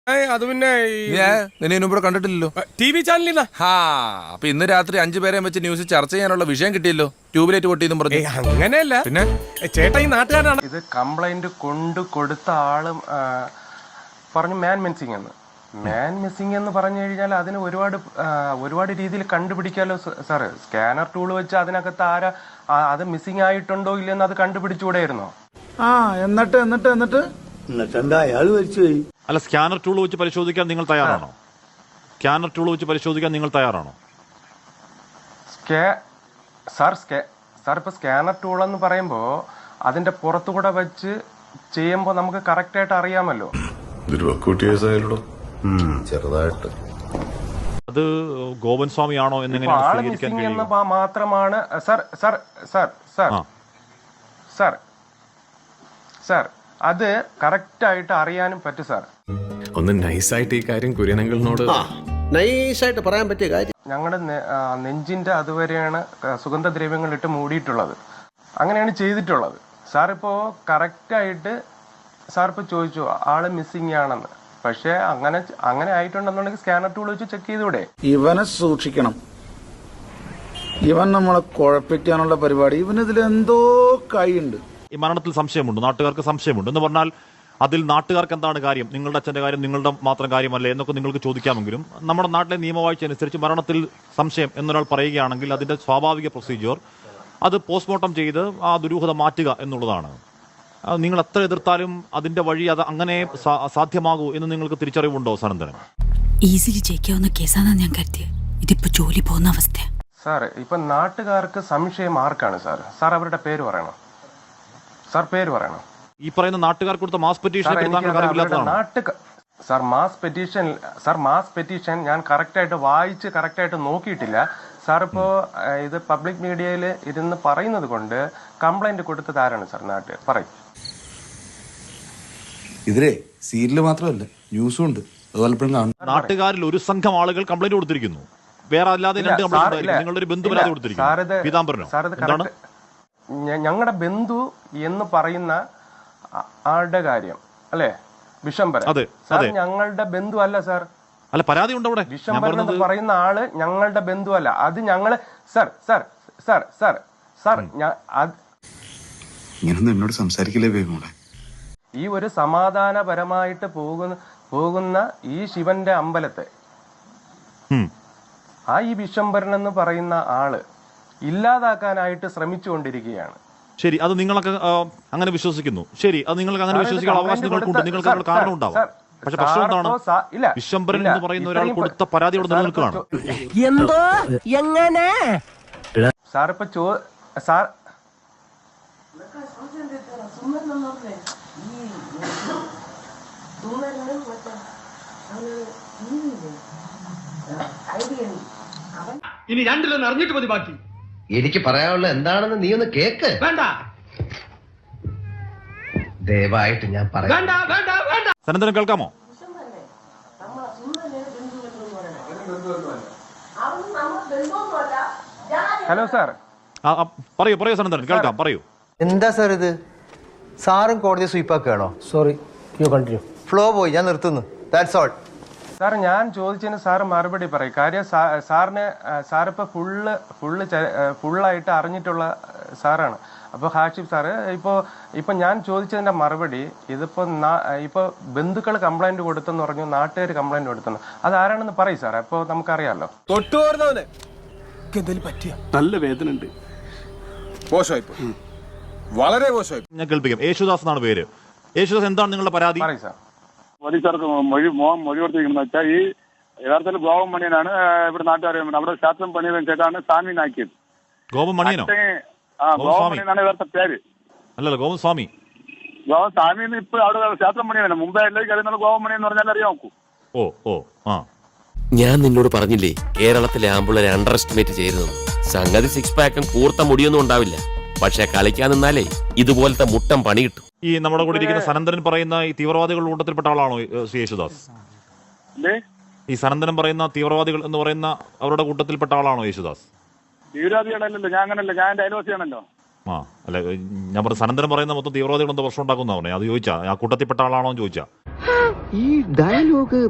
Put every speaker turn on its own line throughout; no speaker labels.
അത് പിന്നെ
നിന്നെ കണ്ടിട്ടില്ലല്ലോ
TV ചാനലിൽ.
അപ്പൊ ഇന്ന് രാത്രി 5 പേരെ വെച്ച് ന്യൂസ് ചർച്ച ചെയ്യാനുള്ള വിഷയം കിട്ടിയല്ലോ. ട്യൂബ്ലൈറ്റ് പൊട്ടിയെന്നും പറഞ്ഞു.
അങ്ങനെയല്ല,
പിന്നെ
ചേട്ടാ ഈ നാട്ടുകാരാണ്
ഇത് കംപ്ലൈന്റ് കൊണ്ട് കൊടുത്ത ആളും പറഞ്ഞു മാൻ മിസ്സിംഗ് എന്ന്. മാൻ മിസ്സിംഗ് എന്ന് പറഞ്ഞു കഴിഞ്ഞാൽ അതിന് ഒരുപാട് രീതിയിൽ കണ്ടുപിടിക്കാമല്ലോ സാറ്. സ്കാനർ ടൂൾ വെച്ച് അതിനകത്ത് അത് മിസ്സിംഗ് ആയിട്ടുണ്ടോ ഇല്ലെന്ന് അത് കണ്ടുപിടിച്ചുകൂടെയായിരുന്നോ?
എന്നിട്ട് എന്താ അയാൾ മരിച്ചുപോയി?
അല്ല, സ്കാനർ ടൂൾ വെച്ച് പരിശോധിക്കാൻ നിങ്ങൾ തയ്യാറാണോ? സ്കാനർ ടൂൾ വെച്ച് പരിശോധിക്കാൻ നിങ്ങൾ തയ്യാറാണോ?
സാർ ഇപ്പൊ സ്കാനർ ടൂൾ എന്ന് പറയുമ്പോ അതിന്റെ പുറത്തുകൂടെ വെച്ച് ചെയ്യുമ്പോ നമുക്ക് കറക്റ്റ് ആയിട്ട് അറിയാമല്ലോ.
ചെറുതായിട്ട്
അത് ഗോപൻ സ്വാമി ആണോ
എന്ന് മാത്രമാണ് സാർ അത് കറക്റ്റ് ആയിട്ട് അറിയാനും പറ്റും സാർ.
ഒന്ന് നൈസായിട്ട് ഈ കാര്യം കുര്യനങ്ങളിനോട്
നൈസായിട്ട് പറയാൻ പറ്റിയ കാര്യം.
ഞങ്ങളുടെ നെഞ്ചിന്റെ അതുവരെയാണ് സുഗന്ധദ്രവ്യങ്ങൾ ഇട്ട് മൂടിയിട്ടുള്ളത്. അങ്ങനെയാണ് ചെയ്തിട്ടുള്ളത്. സാർ ഇപ്പോ കറക്റ്റ് ആയിട്ട് സാർ ഇപ്പൊ ചോദിച്ചു ആള് മിസ്സിംഗ് ആണെന്ന്. പക്ഷെ അങ്ങനെ ആയിട്ടുണ്ടെന്നുണ്ടെങ്കിൽ സ്കാനർ ടൂൾ വെച്ച് ചെക്ക് ചെയ്തൂടെ?
ഇവനെ സൂക്ഷിക്കണം. ഇവൻ നമ്മളെ കുഴപ്പിക്കാനുള്ള പരിപാടി. ഇവനിതിൽ എന്തോ കൈയുണ്ട്.
ഈ മരണത്തിൽ സംശയമുണ്ട്, നാട്ടുകാർക്ക് സംശയമുണ്ട് എന്ന് പറഞ്ഞാൽ അതിൽ നാട്ടുകാർക്ക് എന്താണ് കാര്യം? നിങ്ങളുടെ അച്ഛന്റെ കാര്യം നിങ്ങളുടെ മാത്രം കാര്യമല്ലേ എന്നൊക്കെ നിങ്ങൾക്ക് ചോദിക്കാമെങ്കിലും നമ്മുടെ നാട്ടിലെ നിയമവാഴ്ച അനുസരിച്ച് മരണത്തിൽ സംശയം എന്നൊരാൾ പറയുകയാണെങ്കിൽ അതിന്റെ സ്വാഭാവിക പ്രൊസീജിയർ അത് പോസ്റ്റ്മോർട്ടം ചെയ്ത് ആ ദുരൂഹത മാറ്റുക എന്നുള്ളതാണ്. നിങ്ങൾ എത്ര എതിർത്താലും അതിന്റെ വഴി അത് അങ്ങനെ സാധ്യമാകൂ എന്ന് നിങ്ങൾക്ക് തിരിച്ചറിവുണ്ടോ സനന്ദനം?
ഈസിലി ജയിക്കാവുന്ന കേസാണെന്ന് ഞാൻ കരുതിയത്. ഇതിപ്പോ ജോലി പോകുന്ന അവസ്ഥ.
സാർ ഇപ്പൊ നാട്ടുകാർക്ക് സംശയം ആർക്കാണ് സാർ? സാർ അവരുടെ പേര് പറയണം. സാർ പേര് പറയണം.
ഈ പറയുന്ന നാട്ടുകാർ കൊടുത്ത മാസ് പെറ്റീഷൻ
മാസ് പെറ്റീഷൻ ഞാൻ കറക്റ്റായിട്ട് വായിച്ച് കറക്റ്റായിട്ട് നോക്കിയിട്ടില്ല സാർ. ഇപ്പോ ഇത് പബ്ലിക് മീഡിയയിൽ ഇരുന്ന് പറയുന്നത് കൊണ്ട് കംപ്ലൈന്റ് കൊടുത്തത് ആരാണ് സാർ? നാട്ടുകാർ പറയും.
ഇതിലെ സീരിയല് മാത്രമല്ല ന്യൂസും ഉണ്ട്.
നാട്ടുകാരിൽ ഒരു സംഘം ആളുകൾ കംപ്ലൈന്റ് കൊടുത്തിരിക്കുന്നു. വേറെ അല്ലാതെ നിങ്ങളുടെ ഒരു ബന്ധു പരാതി കൊടുത്തിരിക്കുന്നു. പീതാംബരനോ?
ഞങ്ങളുടെ ബന്ധു എന്ന് പറയുന്ന ആളുടെ കാര്യം അല്ലേ? വിശംബരൻ. സാർ ഞങ്ങളുടെ ബന്ധു അല്ല സാർ.
അല്ല, പരാതി ഉണ്ട് അവിടെ.
വിശംബരൻ എന്ന് പറയുന്ന ആള് ഞങ്ങളുടെ ബന്ധു അല്ല. അത് ഞങ്ങള്
എന്നോട് സംസാരിക്കില്ലേ വേഗം.
ഈ ഒരു സമാധാനപരമായിട്ട് പോകുന്ന ഈ ശിവന്റെ അമ്പലത്തെ ഈ വിശംബരൻ എന്ന് പറയുന്ന ആള് ഇല്ലാതാക്കാനായിട്ട് ശ്രമിച്ചുകൊണ്ടിരിക്കുകയാണ്.
ശരി, അത് നിങ്ങളൊക്കെ അങ്ങനെ വിശ്വസിക്കുന്നു. ശരി, അത് നിങ്ങൾക്ക് അങ്ങനെ വിശ്വസിക്കാൻ അവകാശം നിങ്ങൾക്കുണ്ട്. നിങ്ങൾക്ക് അതിനുള്ള കാരണം ഉണ്ടാവും. പക്ഷെ പ്രശ്നം എന്താണ്? വിശംബരൻ എന്ന് പറയുന്ന ഒരാൾ കൊടുത്ത പരാതിയോട് നിലനിൽക്കുകയാണ്.
എന്തോ എങ്ങനെ
സാർ ഇപ്പൊ സാർ
ഇനി രണ്ടിലൊന്ന് അറിഞ്ഞിട്ട് മതി ബാക്കി.
എനിക്ക് പറയാനുള്ള എന്താണെന്ന് നീ ഒന്ന് കേക്ക്.
വേണ്ട,
ദയവായിട്ട് ഞാൻ പറയാം.
സനന്ദനം കേൾക്കാമോ?
Hello sir.
പറയൂ സനന്ദനൻ, കേൾക്കാം, പറയൂ.
എന്താ സാർ ഇത്? സാറും കോടതി സ്വീപ്പാക്കുകയാണോ?
Sorry, you continue.
ഫ്ലോ പോയി, ഞാൻ നിർത്തുന്നു. That's all.
സാർ ഞാൻ ചോദിച്ചതിന് സാറ് മറുപടി പറയും. കാര്യം സാറിപ്പോ ഫുള്ളായിട്ട് അറിഞ്ഞിട്ടുള്ള സാറാണ്. അപ്പൊ ഹാഷിഫ് സാറ് ഇപ്പൊ ഞാൻ ചോദിച്ചതിന്റെ മറുപടി ഇപ്പൊ ബന്ധുക്കൾ കംപ്ലൈന്റ് കൊടുത്തെന്ന് പറഞ്ഞു, നാട്ടുകാർ കംപ്ലൈന്റ് കൊടുത്തെന്ന്. അത് ആരാണെന്ന് പറയും സാറേ. അപ്പൊ നമുക്കറിയാലോ.
നല്ല വേദന ഉണ്ട്. മോശമായി, വളരെ മോശമായി.
ഞാൻ കേൾപ്പിക്കാം. യേശുദാസ് എന്നാണ് പേര്. യേശുദാസ്, എന്താണ് നിങ്ങളുടെ പരാതി?
പറയും സാർ.
പോലീസുകാർക്ക് മൊഴി കൊടുത്തിരിക്കുന്നത് വെച്ചാൽ ഈ യഥാർത്ഥത്തിൽ ഗോപൻ മണിയനാണ് ഇവിടെ നാട്ടുകാർ അവിടെ ശാസ്ത്രം പണിയവൻ ചേട്ടാണ് സാമിനാക്കിയത്.
ഗോപൻ മണിയനോ?
ഗോപൻ മണിയനാണ് യഥാർത്ഥ പേര്.
അല്ലല്ലോ, ഗോപൻ സ്വാമി.
ഗോപൻ സ്വാമി ഇപ്പൊ അവിടെ ശാസ്ത്രം പണിയവനാണ്. മുമ്പേ എല്ലാവർക്കും അറിയുന്നത് ഗോപൻ മണി എന്ന് പറഞ്ഞാൽ അറിയാം നോക്കൂ.
ഞാൻ നിന്നോട് പറഞ്ഞില്ലേ കേരളത്തിലെ ആമ്പിള്ളേരെ അണ്ടർ എസ്റ്റിമേറ്റ് ചെയ്യരുതെന്ന്. സംഗതി സിക്സ് പാക്കും കൂർത്ത മുടിയൊന്നും ഉണ്ടാവില്ല. പക്ഷെ കളിക്കാൻ നിന്നാലേ ഇതുപോലത്തെ മുട്ടം പണി കിട്ടും.
ഈ നമ്മുടെ കൂടെ ഇരിക്കുന്ന സനന്ദനൻ പറയുന്ന ഈ തീവ്രവാദികളുടെ കൂട്ടത്തിൽപ്പെട്ട ആളാണോ യേശുദാസ്? ഈ സനന്ദനം പറയുന്ന തീവ്രവാദികൾ എന്ന് പറയുന്ന അവരുടെ കൂട്ടത്തിൽപ്പെട്ട ആളാണോ യേശുദാസ്?
തീവ്രവാദികളല്ലല്ലോ, ഞാൻ അങ്ങനല്ല, ഞാൻ എന്റെ അയൽവാസിയാണല്ലോ.
അല്ല, ഞാൻ പറഞ്ഞു സനന്ദനം പറയുന്ന മൊത്തം തീവ്രവാദികൾ എന്തോ പ്രശ്നം ഉണ്ടാക്കുന്ന പറഞ്ഞേ. അത് ചോദിച്ചാ ആ കൂട്ടത്തിൽപ്പെട്ട ആളാണോ എന്ന് ചോദിച്ചാ.
ഈ ഡയലോഗ്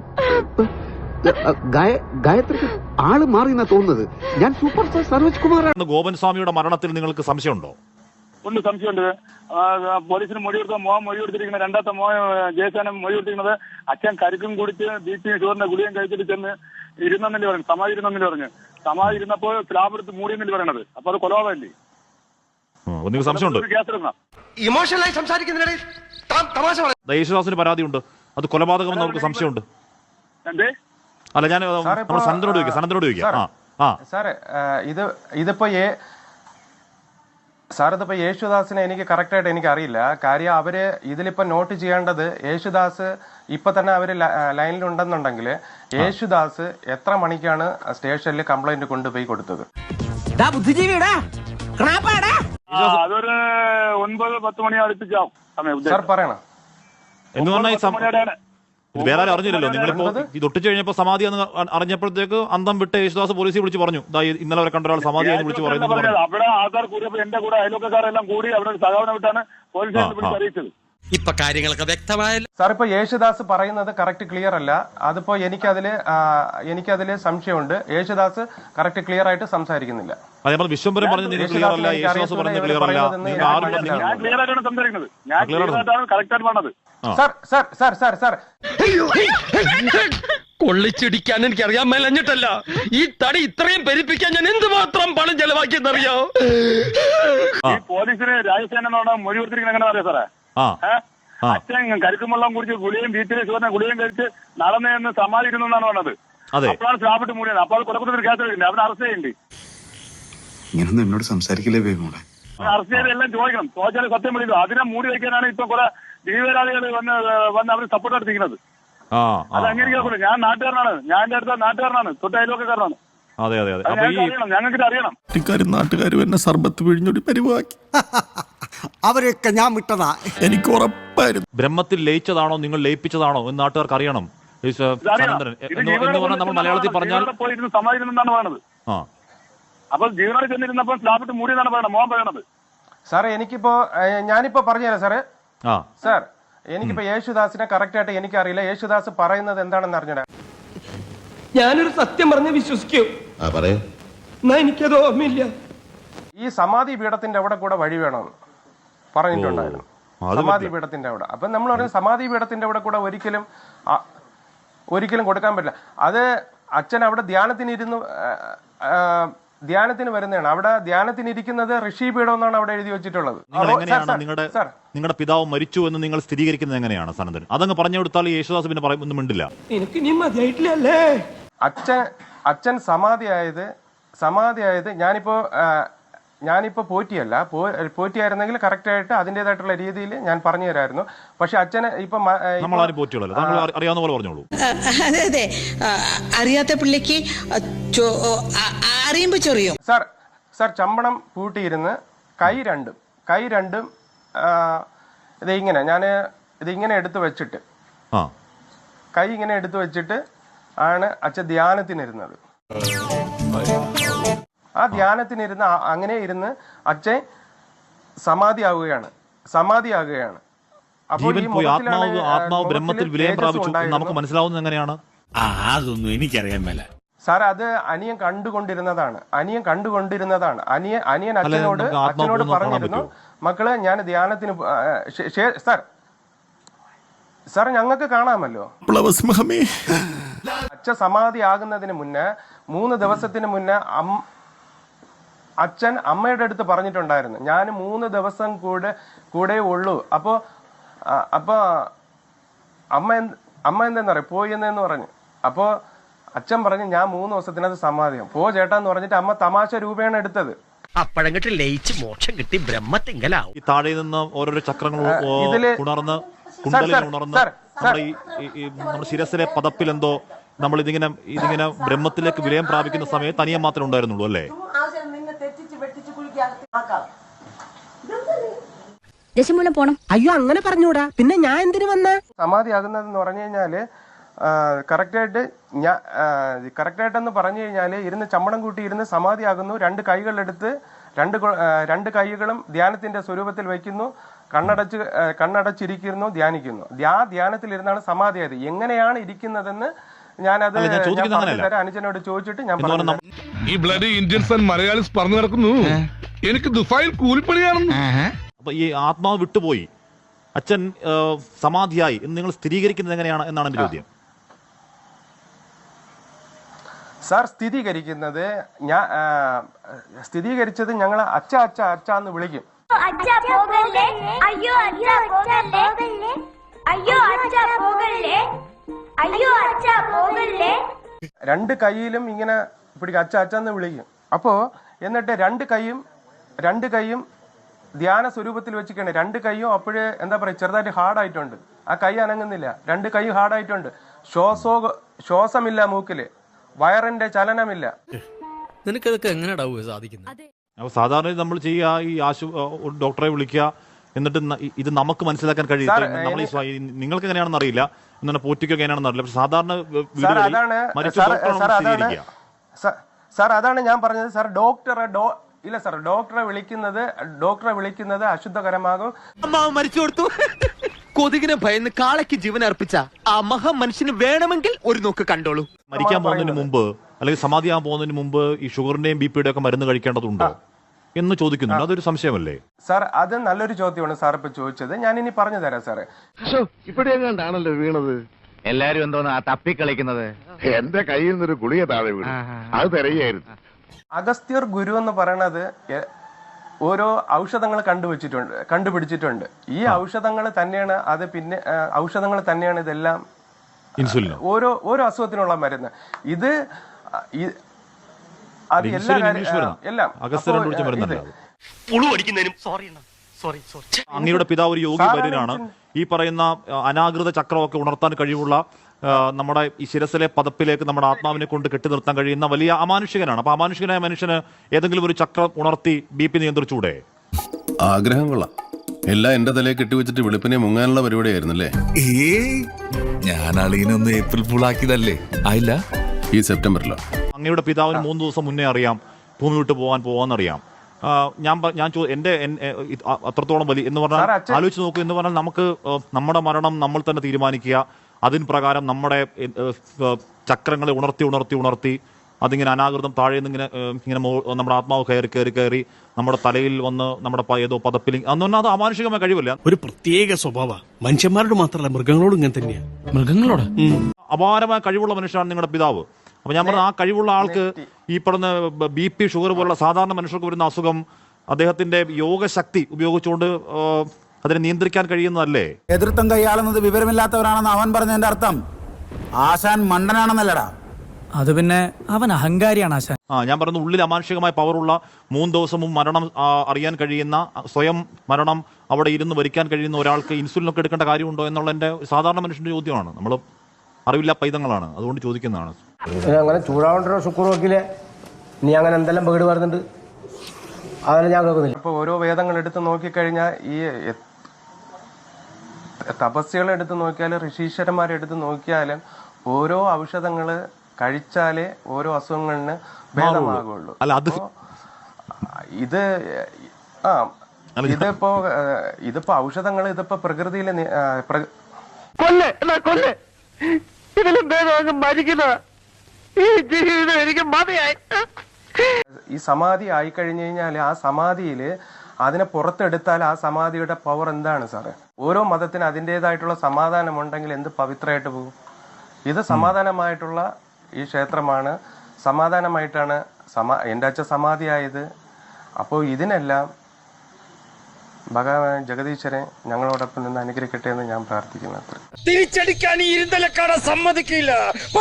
ഗായത്രിക്ക് ആള് മാറി എന്നാ തോന്നുന്നത്. ഞാൻ സൂപ്പർ സ്റ്റാർ സരോജ് കുമാറാണ്.
ഗോപൻ സ്വാമിയുടെ മരണത്തിൽ നിങ്ങൾക്ക് സംശയമുണ്ടോ?
ഉണ്ട്, സംശയമുണ്ട്. പോലീസിന് മൊഴി കൊടുത്ത മൊഴി കൊടുത്തിരിക്കുന്നത് രണ്ടാമത്തെ ജയസേനം മൊഴി കൊടുത്തിരിക്കുന്നത് അച്ഛൻ കരുക്കും കുടിച്ച് BP ഷുഗറിന്റെ ഗുളിയും കഴിച്ചിട്ട് ചെന്ന് ഇരുന്നെന്നല്ലേ പറഞ്ഞു, സമാധി ഇരുന്നെന്നല്ലേ പറഞ്ഞു. സമാധി ഇരുന്നപ്പോൾ സ്ലാബെടുത്ത് മൂടിയെന്നല്ലേ പറയണത്. അപ്പൊ അത് കൊലപാതകമല്ലേ?
നിങ്ങൾക്ക് സംശയമുണ്ട്?
കേസെടുക്കണം.
ഇമോഷണലായി സംസാരിക്കുന്നതിനിടയിൽ
യേശുദാസിന് പരാതിയുണ്ട്, അത് കൊലപാതകമെന്ന് നമുക്ക് സംശയമുണ്ട്.
എന്തേ?
അല്ല, ഞാൻ നമ്മുടെ സനന്ദനോട് ചോദിക്കാം.
സാറേ ഇതിപ്പോ യേശുദാസിനെ എനിക്ക് കറക്റ്റായിട്ട് എനിക്ക് അറിയില്ല. കാര്യം അവര് ഇതിലിപ്പോ നോട്ട് ചെയ്യേണ്ടത് യേശുദാസ് ഇപ്പൊ തന്നെ അവര് ലൈനിലുണ്ടെന്നുണ്ടെങ്കിൽ യേശുദാസ് എത്ര മണിക്കാണ് സ്റ്റേഷനിൽ കംപ്ലൈന്റ് കൊണ്ടുപോയി കൊടുത്തത്?
അതൊരു 9-10 മണി അടുപ്പിച്ചാവും സമയം.
സാർ പറയണം.
എന്ന് പറഞ്ഞാൽ ഇത് വേറെ ആരും അറിഞ്ഞില്ലല്ലോ. നിങ്ങളിപ്പോ ഇത് ഒട്ടിച്ചു കഴിഞ്ഞപ്പോ സമാധി എന്ന് അറിഞ്ഞപ്പോഴത്തേക്ക് അന്തം വിട്ട് യേശുദാസ് പോലീസിൽ വിളിച്ച് പറഞ്ഞു, ഇന്നലെ വരെ കണ്ട ഒരാൾ സമാധി എന്ന് വിളിച്ച് പറയുന്നത്.
അവിടെ ആൾക്കാർ കൂടിയപ്പോ എന്റെ കൂടെ അയൽവക്കക്കാരെല്ലാം കൂടി അവിടെ സഹകരണം വിട്ടാണ് പോലീസിനെ വിളിച്ച് അറിയിച്ചത്.
ഇപ്പൊ കാര്യങ്ങളൊക്കെ വ്യക്തമായല്ലോ.
സാർ ഇപ്പൊ യേശുദാസ് പറയുന്നത് കറക്റ്റ് ക്ലിയർ അല്ല. അതിപ്പോ എനിക്കതില് സംശയമുണ്ട്. യേശുദാസ് കറക്റ്റ് ക്ലിയർ ആയിട്ട് സംസാരിക്കുന്നില്ല.
അതേപോലെ വിശ്വംഭരം പറഞ്ഞത് ക്ലിയർ അല്ല, യേശുദാസ് പറഞ്ഞത് ക്ലിയർ അല്ല.
ഞാൻ ക്ലിയർ ആയിട്ടാണ് സംസാരിക്കുന്നത്. ഞാൻ ക്ലിയർ ആയിട്ടാണ് കറക്റ്റ് ആയിട്ട് പറഞ്ഞത്.
സാർ
കൊള്ളിച്ചിടിക്കാൻ എനിക്ക് അറിയാൻ മേലഞ്ഞിട്ടല്ല, ഈ തടി ഇത്രയും പെരുപ്പിക്കാൻ ഞാൻ എന്തുമാത്രം പണം ചെലവാക്കിയെന്നറിയോ?
ഈ പോലീസിന് രാജസേനോട് മൊഴി കൊടുത്തിരിക്കുന്നത് എങ്ങനെ അറിയാം സാറേ? അച്ഛൻ കരുക്കുമെള്ളം കുടിച്ച് ഗുളിയും BP ഷുഗറിന്റെ ഗുളിയും കഴിച്ച് നടന്നെന്ന് സമാധിക്കുന്നെന്നാണ് പറഞ്ഞത്. അപ്പോഴാണ് സ്ലാബിട്ട് മൂടിയത്. അപ്പോൾ അത് കൊലക്കുറ്റത്തിന് കേസ് എടുക്കുന്നത്. അവനെ അറസ്റ്റ് ചെയ്യണ്ടേ?
ഇങ്ങനൊന്നും എന്നോട് സംസാരിക്കില്ലേ ബേബിമോളെ?
അറസ്റ്റ് ചെയ്ത് എല്ലാം ചോദിക്കണം. ചോദിച്ചാൽ സത്യം വിളിക്കും. അതിനെ മൂടി വയ്ക്കാനാണ് ഇപ്പൊ കുറെ ജീവരാളികൾ വന്ന് അവർ സപ്പോർട്ട് എടുത്തിരിക്കുന്നത്. അത് അംഗീകരിക്കാറില്ല. ഞാൻ നാട്ടുകാരനാണ്, ഞാൻ എന്റെ അടുത്ത നാട്ടുകാരനാണ്, തൊട്ട് അയൽവക്കക്കാരനാണ്. ഞങ്ങൾക്ക് അറിയണം.
നാട്ടുകാരും എന്നെ സർബത്ത് പിഴിഞ്ഞൊടി പരിവാക്കി.
അവരെയൊക്കെ ഞാൻ വിട്ടതാ,
എനിക്ക് ഉറപ്പായിരുന്നു.
ബ്രഹ്മത്തിൽ ലയിച്ചതാണോ നിങ്ങൾ ലയിപ്പിച്ചതാണോ എന്ന് നാട്ടുകാർക്ക് അറിയണം. സനന്ദനൻ എന്ന് പറഞ്ഞാൽ നമ്മൾ മലയാളത്തിൽ പറഞ്ഞാൽ
സമാധിക്കുന്നെന്നാണ് പറയുന്നത്. അപ്പൊ ജീവനോട് ചെന്നിരുന്നപ്പോൾ സ്ലാബിട്ട് മൂടിയെന്നാണ് പറയണത്. മോഹൻ പറയണത്.
സാറേ ഞാനിപ്പോ പറഞ്ഞുതരാം സാറേ. സാർ എനിക്കിപ്പോ യേശുദാസിനെ കറക്റ്റ് ആയിട്ട് എനിക്കറിയില്ല. യേശുദാസ് പറയുന്നത് എന്താണെന്ന് അറിഞ്ഞൂടാ.
ഞാനൊരു സത്യം പറഞ്ഞ് വിശ്വസിക്കൂ, എന്നാ എനിക്കത് ഓർമ്മയില്ല.
ഈ സമാധി പീഠത്തിന്റെ അവിടെ കൂടെ വഴി വേണമെന്ന് പറഞ്ഞിട്ടുണ്ടായിരുന്നു. സമാധി പീഠത്തിന്റെ അവിടെ. അപ്പൊ നമ്മൾ പറയുന്നത് സമാധി പീഠത്തിന്റെ അവിടെ കൂടെ ഒരിക്കലും കൊടുക്കാൻ പറ്റില്ല. അത് അച്ഛൻ അവിടെ ധ്യാനത്തിന് വരുന്നതാണ്. അവിടെ ധ്യാനത്തിന് ഇരിക്കുന്നത് ഋഷി പീഠം എന്നാണ് അവിടെ എഴുതി വെച്ചിട്ടുള്ളത്.
നിങ്ങളുടെ പിതാവ് മരിച്ചു എന്ന് നിങ്ങൾ സ്ഥിരീകരിക്കുന്നത് എങ്ങനെയാണ് സനന്ദൻ? അതങ്ങ് പറഞ്ഞു കൊടുത്താൽ യേശുദാസ് പിന്നെ ഒന്നും മിണ്ടില്ല.
അച്ഛൻ സമാധിയായത് ഞാനിപ്പോ പോറ്റിയായിരുന്നെങ്കിൽ കറക്റ്റ് ആയിട്ട് അതിൻ്റെതായിട്ടുള്ള രീതിയിൽ ഞാൻ പറഞ്ഞു തരായിരുന്നു. പക്ഷെ അച്ഛന് ഇപ്പൊ
അറിയാവുന്ന പോലെ പറഞ്ഞോളൂ.
അതെ, അറിയാത്ത പിള്ളിക്ക് അറിയുമ്പോ ചൊറിയും.
സാർ ചമ്പണം പൂട്ടിയിരുന്ന് കൈ രണ്ടും ഇതിങ്ങനെ എടുത്തു വെച്ചിട്ട് കൈ ഇങ്ങനെ എടുത്തു വെച്ചിട്ട് ആണ് അച്ഛൻ ധ്യാനത്തിനിരുന്നത്. ആ ധ്യാനത്തിനിരുന്ന് അങ്ങനെ ഇരുന്ന് അച്ഛൻ സമാധിയാവുകയാണ്. അപ്പോൾ ഈ
ആത്മാവ് ബ്രഹ്മത്തിൽ വിലയം പ്രാപിച്ചു നമുക്ക് മനസ്സിലാവുന്നത് എങ്ങനെയാണ്?
അതൊന്നും എനിക്കറിയാൻ മേല.
സാർ അത് അനിയൻ കണ്ടുകൊണ്ടിരുന്നതാണ്. അനിയൻ അച്ഛനോട് പറഞ്ഞിരുന്നു, മക്കള് ഞാൻ ധ്യാനത്തിന് സാർ ഞങ്ങൾക്ക് കാണാമല്ലോ. അച്ഛൻ സമാധിയാകുന്നതിന് മുന്നേ 3 ദിവസത്തിന് മുന്നേ അച്ഛൻ അമ്മയുടെ അടുത്ത് പറഞ്ഞിട്ടുണ്ടായിരുന്നു, ഞാൻ 3 ദിവസം കൂടെ ഉള്ളൂ. അപ്പൊ അമ്മ എന്തെന്ന് പറയും, പോയി എന്ന് പറഞ്ഞു. അപ്പോ അച്ഛൻ പറഞ്ഞു, ഞാൻ 3 ദിവസത്തിനത് സമാധിയാവും, പോ ചേട്ടാന്ന് പറഞ്ഞിട്ട് അമ്മ തമാശ രൂപയാണ് എടുത്തത്.
അപ്പഴങ്ങിട്ട് ലയിച്ച് മോക്ഷം കിട്ടി ബ്രഹ്മത്തിങ്കലാവും.
ഈ താഴെ നിന്ന് ഓരോരോ ചക്രങ്ങൾ ഉണർന്ന് നമ്മുടെ ശിരസിലെ പദപ്പിൽ എന്തോ നമ്മൾ ഇതിങ്ങനെ ബ്രഹ്മത്തിലേക്ക് വിലയം പ്രാപിക്കുന്ന സമയത്ത് തനിയെ മാത്രമേ ഉണ്ടായിരുന്നുള്ളൂ അല്ലേ?
ദശമൂലം പോണം.
അയ്യോ അങ്ങനെ പറഞ്ഞൂടാ, പിന്നെ ഞാൻ എന്തിനു വന്ന?
സമാധിയാകുന്നതെന്ന് പറഞ്ഞു കഴിഞ്ഞാല് കറക്റ്റായിട്ടെന്ന് പറഞ്ഞു കഴിഞ്ഞാല് ഇരുന്ന് ചമ്മണം കൂട്ടി ഇരുന്ന് സമാധിയാകുന്നു. 2 കൈകളെടുത്ത് രണ്ട് കൈകളും ധ്യാനത്തിന്റെ സ്വരൂപത്തിൽ വയ്ക്കുന്നു. കണ്ണടച്ചിരിക്കുന്നു, ധ്യാനിക്കുന്നു. ധ്യാനത്തിലിരുന്നാണ് സമാധിയായത്. എങ്ങനെയാണ് ഇരിക്കുന്നതെന്ന് ഞാനത് അനുജനോട് ചോദിച്ചിട്ട് ഞാൻ പറഞ്ഞു.
ഈ ബ്ലഡ് ഇന്ത്യൻസ് ആൻഡ് മലയാളീസ് പറഞ്ഞു നടക്കുന്നു. എനിക്ക് ദുബായിൽ കൂലിപ്പണിയാണെന്ന്.
അപ്പൊ ഈ ആത്മാവ് വിട്ടുപോയി, അച്ഛൻ സമാധിയായി എന്ന് നിങ്ങൾ സ്ഥിരീകരിക്കുന്നത് എങ്ങനെയാണ് എന്നാണ് എന്റെ ചോദ്യം.
സാർ, സ്ഥിരീകരിച്ചത് ഞങ്ങൾ അച്ഛ അച്ഛ അച്ഛ എന്ന് വിളിക്കും. രണ്ട് കൈയിലും ഇങ്ങനെ പിടിക്കും, അച്ഛ അച്ഛ എന്ന് വിളിക്കും. അപ്പോ എന്നിട്ട് രണ്ട് കൈയും ധ്യാന സ്വരൂപത്തിൽ വെച്ചിട്ടാണ്. രണ്ട് കൈയും അപ്പോഴേ എന്താ പറയുക, ചെറുതായിട്ട് ഹാർഡായിട്ടുണ്ട്. ആ കൈ അനങ്ങുന്നില്ല, രണ്ട് കൈ ഹാർഡായിട്ടുണ്ട്. ശ്വാസമില്ല മൂക്കില്, വയറിന്റെ ചലനമില്ല.
നിനക്കതൊക്കെ എങ്ങനെയാ സാധിക്കുന്നത്?
അപ്പോൾ സാധാരണ നമ്മൾ ചെയ്യുക, ഈ ഡോക്ടറെ വിളിക്കുക, എന്നിട്ട് ഇത് നമുക്ക് മനസ്സിലാക്കാൻ കഴിയും. നമ്മൾ നിങ്ങൾക്ക് എങ്ങനെയാണെന്ന് അറിയില്ല, എന്നാൽ പോറ്റിക്കൊക്കെ എങ്ങനെയാണെന്ന് അറിയില്ല. പക്ഷെ സാധാരണ
സാർ അതാണ് ഞാൻ പറഞ്ഞത്. സാർ ഡോക്ടറെ വിളിക്കുന്നത് അശുദ്ധകരമാകും.
മരിച്ചു കൊടുത്തു. കൊതുകിനെ ഭയന്ന് കാളയ്ക്ക് ജീവൻ അർപ്പിച്ച ആ മഹാ മനുഷ്യന് വേണമെങ്കിൽ ഒരു നോക്ക് കണ്ടോളൂ.
മരിക്കാൻ പോകുന്നതിന് മുമ്പ് അല്ലെങ്കിൽ സമാധിയാകാൻ പോകുന്നതിന് മുമ്പ് ഈ ഷുഗറിന്റെയും ബിപിയുടെയും ഒക്കെ മരുന്ന് കഴിക്കേണ്ടതുണ്ടോ എന്ന് ചോദിക്കുന്നുണ്ട്. അതൊരു സംശയമല്ലേ
സാർ? അത് നല്ലൊരു ചോദ്യമാണ് സാർ ഇപ്പൊ ചോദിച്ചത്. ഞാൻ ഇനി പറഞ്ഞു തരാം സാറേ.
ഇവിടെ എങ്ങാണ്ടാണല്ലോ വീണത്.
എല്ലാരും എന്തോന്നാ തപ്പിക്കളിക്കുന്നത്?
എന്റെ കയ്യിൽ നിന്നൊരു ഗുളിക താഴെ വീണു, അത് തിരയായിരുന്നു.
അഗസ്ത്യർ ഗുരു എന്ന് പറയണത് ഓരോ ഔഷധങ്ങൾ കണ്ടുപിടിച്ചിട്ടുണ്ട്. ഈ ഔഷധങ്ങൾ തന്നെയാണ് ഇതെല്ലാം,
ഇൻസുലിൻ,
ഓരോ അസുഖത്തിനുള്ള മരുന്ന്. ഇത് അത് എല്ലാം
അങ്ങയുടെ പിതാവ് ഒരു യോഗി വര്യനാണ്. ഈ പറയുന്ന അനാകൃത ചക്രമൊക്കെ ഉണർത്താൻ കഴിവുള്ള, നമ്മുടെ ഈ ശിരസിലെ പദപ്പിലേക്ക് നമ്മുടെ ആത്മാവിനെ കൊണ്ട് കെട്ടി നിർത്താൻ കഴിയുന്ന വലിയ അമാനുഷികനാണ്. അപ്പൊ അമാനുഷികനായ മനുഷ്യന് ഏതെങ്കിലും ഒരു ചക്രം ഉണർത്തി BP നിയന്ത്രിച്ചൂടെ?
ആഗ്രഹം കൊള്ളാം. എല്ലാം എന്റെ തലയെ കെട്ടിവെച്ചിട്ട് വെളുപ്പിനെ മുങ്ങാനുള്ള പരിപാടിയായിരുന്നല്ലേ?
ഞാൻ അളീനൊന്ന് ഏപ്രിൽ ഫുൾ ആക്കിയതല്ലേ? ആയില്ല,
ഈ സെപ്റ്റംബറിലോ?
അങ്ങയുടെ പിതാവിന് 3 ദിവസം മുന്നേ അറിയാം ഭൂമി വിട്ട് പോകാന്നറിയാം. എന്റെ അത്രത്തോളം വലിയ എന്ന് പറഞ്ഞാൽ ആലോചിച്ച് നോക്കൂ. എന്ന് പറഞ്ഞാൽ നമുക്ക് നമ്മുടെ മരണം നമ്മൾ തന്നെ തീരുമാനിക്കുക. അതിന് പ്രകാരം നമ്മുടെ ചക്രങ്ങളെ ഉണർത്തി അതിങ്ങനെ അനാകൃതം താഴെ നിന്ന് ഇങ്ങനെ നമ്മുടെ ആത്മാവ് കയറി നമ്മുടെ തലയിൽ വന്ന് നമ്മുടെ ഏതോ പദപ്പിൽ അന്ന് അത് അമാനുഷികമായ കഴിവല്ല.
ഒരു പ്രത്യേക സ്വഭാവ മനുഷ്യന്മാരോട് മാത്രമല്ല മൃഗങ്ങളോടും ഇങ്ങനെ തന്നെയാ. മൃഗങ്ങളോട്
അപാരമായ കഴിവുള്ള മനുഷ്യനാണ് നിങ്ങളുടെ പിതാവ്. അപ്പൊ ഞാൻ പറഞ്ഞ ആ കഴിവുള്ള ആൾക്ക് ഈ പറഞ്ഞ BP, ഷുഗർ പോലുള്ള സാധാരണ മനുഷ്യർക്ക് വരുന്ന അസുഖം അദ്ദേഹത്തിന്റെ യോഗശക്തി ഉപയോഗിച്ചുകൊണ്ട് അതിനെ നിയന്ത്രിക്കാൻ കഴിയുന്നതല്ലേ?
എതിർത്തം കൈയാളുന്നത് വിവരമില്ലാത്തവരാണെന്ന് അവൻ പറഞ്ഞതിന്റെ അർത്ഥം ആശാൻ മണ്ടനാണെന്നല്ലടാ.
അത് പിന്നെ അവൻ അഹങ്കാരിയാണ് ആശാൻ.
ഞാൻ പറയുന്നത് ഉള്ളിൽ അമാനുഷികമായ പവറുള്ള 3 ദിവസം മുമ്പ് മരണം അറിയാൻ കഴിയുന്ന, സ്വയം മരണം അവിടെ ഇരുന്ന് വരിക്കാൻ കഴിയുന്ന ഒരാൾക്ക് ഇൻസുലിനൊക്കെ എടുക്കേണ്ട കാര്യമുണ്ടോ എന്നുള്ള എൻ്റെ സാധാരണ മനുഷ്യന്റെ ചോദ്യമാണ്. നമ്മൾ അറിവില്ല പൈതങ്ങളാണ്, അതുകൊണ്ട് ചോദിക്കുന്നതാണ്.
അങ്ങനെ ചൂടാവണ്ടോ ശുക്ർ നോക്കില്ലേ? നീ അങ്ങനെ എന്തെല്ലാം പേട് വരുന്നുണ്ട്, അതെല്ലാം ഞാൻ കേൾക്കുന്നില്ല.
ഇപ്പൊ ഓരോ വേദങ്ങൾ എടുത്ത് നോക്കിക്കഴിഞ്ഞാൽ, ഈ തപസ്യകളെടുത്ത് നോക്കിയാലും ഋഷീശ്വരന്മാരെടുത്ത് നോക്കിയാലും ഓരോ ഔഷധങ്ങള് കഴിച്ചാലേ ഓരോ അസുഖങ്ങളിന് ഭേദമാകുള്ളൂ. ഇതിപ്പോ ഔഷധങ്ങൾ ഇതിപ്പോ പ്രകൃതിയിലെ ഈ സമാധി ആയിക്കഴിഞ്ഞു കഴിഞ്ഞാൽ ആ സമാധിയില് അതിനെ പുറത്തെടുത്താൽ ആ സമാധിയുടെ പവർ എന്താണ് സാറേ? ഓരോ മതത്തിന് അതിൻ്റെതായിട്ടുള്ള സമാധാനം ഉണ്ടെങ്കിൽ എന്ത് പവിത്രമായിട്ട് പോകും. ഇത് സമാധാനമായിട്ടുള്ള ഈ ക്ഷേത്രമാണ്, സമാധാനമായിട്ടാണ് എൻ്റെ അച്ഛൻ സമാധിയായത്. അപ്പോൾ ഇതിനെല്ലാം ഭഗവാൻ ജഗദീശ്വരൻ ഞങ്ങളോടൊപ്പം നിന്ന് അനുഗ്രഹിക്കട്ടെ എന്ന് ഞാൻ പ്രാർത്ഥിക്കുന്നു.
തിരിച്ചടിക്കാൻ ഈ ഇരുന്തലക്കാട സമ്മതിക്കില്ല.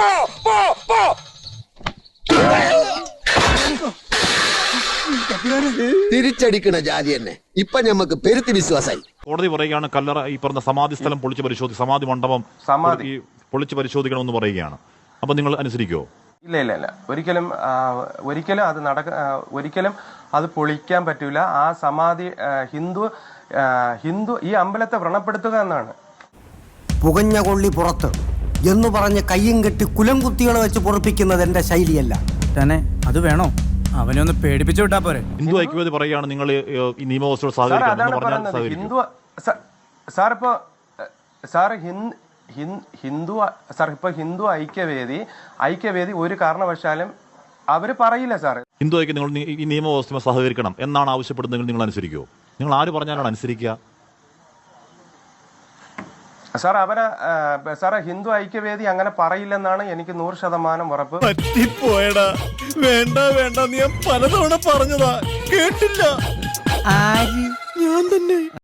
തിരിച്ചടിക്കണ ജാതി തന്നെ ഇപ്പൊ ഞമ്മക്ക് പെരുത്തി വിശ്വാസായി.
കോടതി പറയുകയാണ് കല്ലറ, ഈ പറഞ്ഞ സമാധി സ്ഥലം പൊളിച്ച് പരിശോധിക്കും, സമാധി മണ്ഡപം പൊളിച്ച് പരിശോധിക്കണമെന്ന് പറയുകയാണ്. അപ്പൊ നിങ്ങൾ അനുസരിക്കുമോ?
ഇല്ല, ഒരിക്കലും അത് ഒരിക്കലും അത് പൊളിക്കാൻ പറ്റൂല. ആ സമാധി ഹിന്ദു ഈ അമ്പലത്തെ വ്രണപ്പെടുത്തുക എന്നാണ്.
പുകഞ്ഞ കൊള്ളി പുറത്ത് എന്ന് പറഞ്ഞ് കയ്യും കെട്ടി കുലം കുത്തികളെ വെച്ച് പൊറപ്പിക്കുന്നത് എന്റെ ശൈലിയല്ല. തന്നെ അത് വേണോ? അവനൊന്ന് പേടിപ്പിച്ചു വിട്ടാ പോരെ.
ഹിന്ദു ഐക്യവേദി പറയുകയാണ് നിങ്ങൾ ഈ നിയമവ്യവസ്ഥയോട് സഹകരിക്കണം.
സാർ ഇപ്പോൾ സാർ ഹിന്ദു സാർ ഇപ്പോൾ ഹിന്ദു ഐക്യവേദി ഒരു കാരണവശാലും അവർ പറയില്ല സാർ.
ഹിന്ദു ഐക്യം നിങ്ങൾ ഈ നിയമവ്യവസ്ഥ സഹകരിക്കണം എന്നാണ് ആവശ്യപ്പെടുന്നതെങ്കിൽ നിങ്ങൾ അനുസരിക്കുമോ? നിങ്ങൾ ആര് പറഞ്ഞാലാണ് അനുസരിക്കുക?
സാർ സാറേ ഹിന്ദു ഐക്യവേദി അങ്ങനെ പറയില്ലെന്നാണ് എനിക്ക് 100% ഉറപ്പ്.
പറ്റിപ്പോയടാ. വേണ്ട വേണ്ട, നീ പലതവണ പറഞ്ഞതാ, കേട്ടില്ല. ഞാൻ തന്നെ.